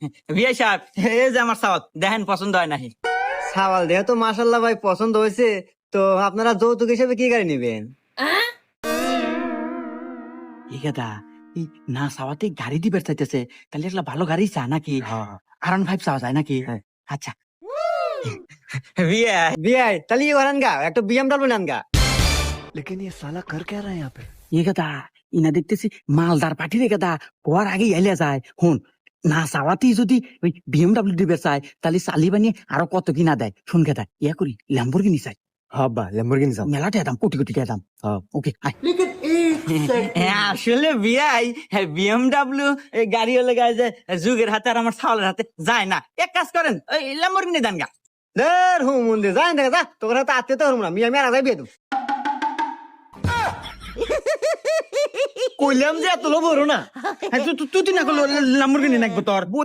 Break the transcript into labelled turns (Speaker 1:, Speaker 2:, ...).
Speaker 1: বিয়ে সাহেব, এই যে আমার সাওয়াত দেখেন পছন্দ হয় নাকি?
Speaker 2: সাওয়াল দেহ তো মাশাল্লাহ ভাই পছন্দ হয়েছে। তো আপনারা যৌতুক হিসেবে কি গাড়ি নেবেন?
Speaker 1: এই কথা এই না সাওয়াতে গাড়ি দিবে চাইতেছে, তাহলে একটা ভালো গাড়ি চা নাকি? R15 চাওয়া যায় নাকি?
Speaker 2: হ্যাঁ।
Speaker 1: আচ্ছা বিয়ে
Speaker 2: বিয়াই তাহলে কি করেন গা, একটা বিএমডব্লিউ নেন গা।
Speaker 1: এই কথা ইনা দেখতেছি মালদার পার্টি রে কথা হওয়ার আগে এলে যায় হুন। না চাওয়াতেই যদি ওই BMW দিবে চায়, তাহলে চালি বানিয়ে আরো কত কিনা দেয় শুন খেতা ইয়া করি ল্যাম্বরগিনি চাই।
Speaker 2: হব্বা ল্যাম্বরগিনি যাও।
Speaker 1: মেলাতে দাম কোটি কোটি টাকা দাম। ওকে আসলে বিয়াই BMW গাড়ি হলে গায়ে যে যুগের হাতে আর আমার ছাওয়ালের হাতে যায় না। এক কাজ করেন ওই ল্যাম্বরগিনি দেন গা।
Speaker 2: দের হুম মন্দির যাই দেখা যা, তোর হাতে আত্মীয় তো হরম না, মিয়া মেরা যাই বিয়ে দেব।
Speaker 1: কইলাম যে এত লোভ হলো না। তুই না করলো ল্যাম্বরগিনি নাকবো তোর